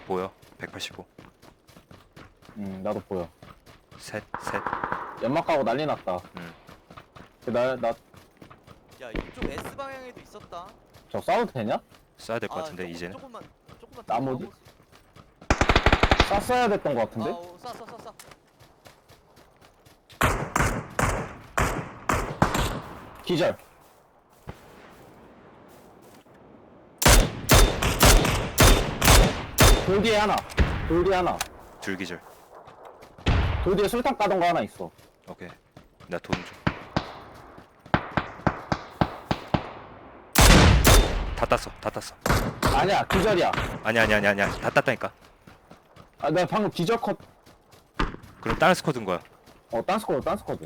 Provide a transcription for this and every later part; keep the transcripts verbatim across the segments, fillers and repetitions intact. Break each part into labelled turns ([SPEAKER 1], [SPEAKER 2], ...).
[SPEAKER 1] 보여. 백팔십오.
[SPEAKER 2] 응, 나도 보여.
[SPEAKER 1] 셋, 셋.
[SPEAKER 2] 연막 가고 난리 났다.
[SPEAKER 1] 응.
[SPEAKER 2] 나, 나,
[SPEAKER 3] 야 이쪽 S 방향에도 있었다.
[SPEAKER 2] 저 싸워도 되냐?
[SPEAKER 1] 쏴야 될 것
[SPEAKER 3] 아,
[SPEAKER 1] 같은데
[SPEAKER 3] 조금,
[SPEAKER 1] 이제는.
[SPEAKER 3] 조금만 조금만
[SPEAKER 2] 나머지?
[SPEAKER 3] 더
[SPEAKER 2] 쐈어야 됐던 것
[SPEAKER 3] 아,
[SPEAKER 2] 같은데?
[SPEAKER 3] 어, 쏴, 쏴, 쏴, 쏴.
[SPEAKER 2] 기절. 돌 뒤에 하나. 돌 뒤에 하나.
[SPEAKER 1] 줄기절.
[SPEAKER 2] 돌 뒤에 술탄 까던 거 하나 있어.
[SPEAKER 1] 오케이. 나 돈 줘. 다 땄어. 다 땄어.
[SPEAKER 2] 아니야, 기절이야.
[SPEAKER 1] 아니야, 아니야, 아니야, 아니야. 다 땄다니까.
[SPEAKER 2] 아, 내가 방금 기절 컷.
[SPEAKER 1] 그럼 다른 스쿼드인 거야.
[SPEAKER 2] 어, 딴스코드, 딴스코드.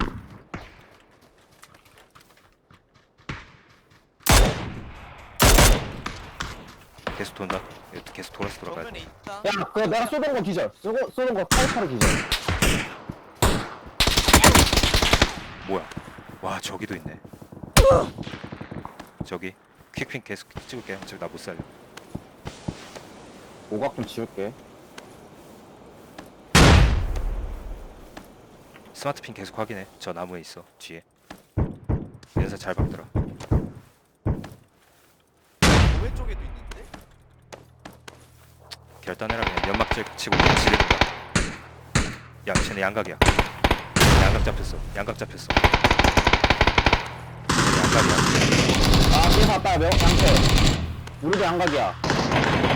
[SPEAKER 1] 계속 돈다. 이거 계속 돌아서 돌아가야
[SPEAKER 3] 정면에
[SPEAKER 1] 돼.
[SPEAKER 3] 있다.
[SPEAKER 2] 야, 그거 내가 쏘던 거 기절. 쏘고, 쏘던 거 카이파로 기절.
[SPEAKER 1] 뭐야? 와, 저기도 있네. 저기 퀵핑 계속 찍을게. 어차피 나 못 살려.
[SPEAKER 2] 오각 좀 지울게.
[SPEAKER 1] 스마트핀 계속 확인해. 저 나무에 있어. 뒤에. 연사 잘 박더라.
[SPEAKER 3] 오른쪽에도 있는데?
[SPEAKER 1] 결단해라. 그냥 연막 찌- 치고 그냥 지르는 거야. 야, 쟤네 양각이야. 양각 잡혔어. 양각 잡혔어. 양각이야.
[SPEAKER 2] 아, 뒤에 봤다, 명, 양패. 우리도 양각이야.